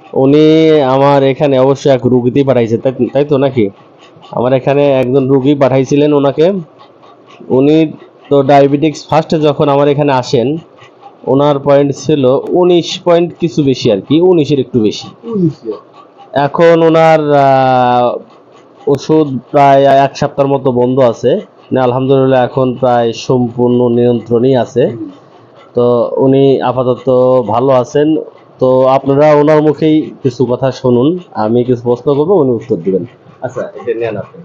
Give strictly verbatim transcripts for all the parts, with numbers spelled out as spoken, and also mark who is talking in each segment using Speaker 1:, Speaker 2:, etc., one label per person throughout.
Speaker 1: উনি আমার এখানে অবশ্যই এক রুগীতেই পাঠাইছে, তাই তাই তো নাকি? আমার এখানে একজন রুগী পাঠাইছিলেন ওনাকে। উনি তো ডায়াবেটিক্স ফার্স্টে যখন আমার এখানে আসেন, ওনার পয়েন্ট ছিল উনিশ পয়েন্ট কিছু বেশি আর কি, উনিশের একটু বেশি। এখন ওনার আহ, ওষুধ প্রায় এক সপ্তাহের মতো বন্ধ আছে, না আলহামদুলিল্লাহ এখন প্রায় সম্পূর্ণ নিয়ন্ত্রণই আছে। তো উনি আপাতত ভালো আছেন। তো আপনারা ওনার মুখেই কিছু কথা শুনুন, আমি কিছু প্রশ্ন করবো, উনি উত্তর দিবেন। আচ্ছা, এটা নেন আপনি।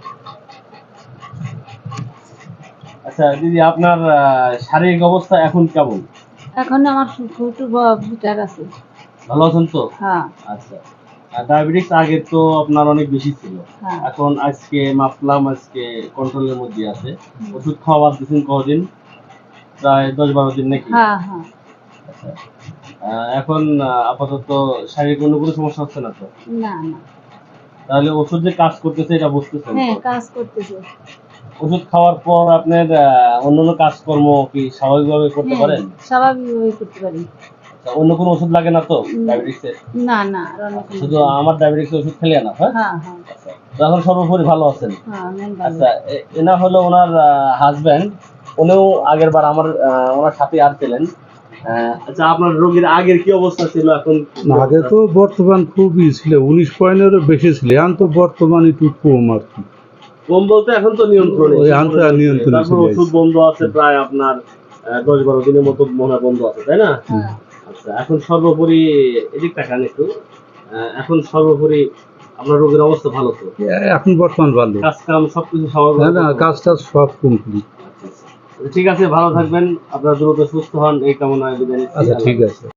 Speaker 1: আচ্ছা দিদি, আপনার আহ, শারীরিক অবস্থা এখন কেমন?
Speaker 2: এখন আমার একটু বিচার আছে।
Speaker 1: ভালো আছেন তো?
Speaker 2: হ্যাঁ।
Speaker 1: আচ্ছা, ডায়াবেটিস আগে তো আপনার অনেক বেশি ছিল,
Speaker 2: হ্যাঁ।
Speaker 1: এখন আজকে মাপলাম, আজকে কন্ট্রোলের মধ্যে আছে। ওষুধ খাওয়া বাদ দিয়েছেন কদিন? প্রায় দশ বারো দিন নাকি?
Speaker 2: হ্যাঁ হ্যাঁ।
Speaker 1: আচ্ছা, আহ, এখন আহ, আপাতত শারীরিক অন্য কোনো সমস্যা হচ্ছে না তো?
Speaker 2: না না।
Speaker 1: তাহলে ওষুধ যে কাজ করতেছে এটা বুঝতেছেন?
Speaker 2: হ্যাঁ, কাজ করতেছে।
Speaker 1: ওষুধ খাওয়ার পর আপনার অন্যান্য কাজকর্ম কি স্বাভাবিকভাবে করতে
Speaker 2: হ্যাঁ,
Speaker 1: পারেন?
Speaker 2: স্বাভাবিকভাবে করতে পারি।
Speaker 1: আচ্ছা, অন্য কোনো ওষুধ লাগে না তো ডায়াবেটিসের?
Speaker 2: না না, আর অন্য কোনো
Speaker 1: শুধু
Speaker 2: ওষুধ না।
Speaker 1: আমার ডায়াবেটিসের ওষুধ খেলে না? হ্যাঁ,
Speaker 2: হ্যাঁ হ্যাঁ।
Speaker 1: আচ্ছা, তো এখন সর্বোপরি ভালো আছেন?
Speaker 2: হ্যাঁ, আমি ভালো।
Speaker 1: আচ্ছা, এ- এনা হলো ওনার হাজবেন্ড। উনিও আগের বার আমার আহ, ওনার সাথে আর ছিলেন। আহ, আচ্ছা, আপনার রোগীর আগের কি অবস্থা ছিল, এখন কি
Speaker 3: আগে
Speaker 1: অবস্থা?
Speaker 3: তো বর্তমান খুবই ছিল, উনিশ পয়েন্টেরও বেশি ছিল, এখন তো বর্তমান একটু কম আর কি।
Speaker 1: কম বলতে এখন তো নিয়ন্ত্রণে,
Speaker 3: ওই এখন তো আর নিয়ন্ত্রণে
Speaker 1: তারপর
Speaker 3: চলে
Speaker 1: ওষুধ
Speaker 3: আসছে।
Speaker 1: বন্ধ আছে প্রায় আপনার আহ, দশ বারো দিনের মতো মনে হয় বন্ধ আছে, তাই না?
Speaker 2: হ্যাঁ।
Speaker 1: আচ্ছা, এখন সর্বোপরি এদিক তাকান একটু। আহ, এখন সর্বোপরি আপনার রোগীর অবস্থা ভালো তো?
Speaker 3: এ- এখন বর্তমান ভালো।
Speaker 1: কাজ কাম সবকিছু স্বাভাবিক?
Speaker 3: হ্যাঁ না, কাজ টাজ সব কমপ্লিট।
Speaker 1: ঠিক আছে, ভালো থাকবেন, আপনার দ্রুত সুস্থ হন এই কামনায় বিদায় নিচ্ছি।
Speaker 3: আচ্ছা ঠিক আছে।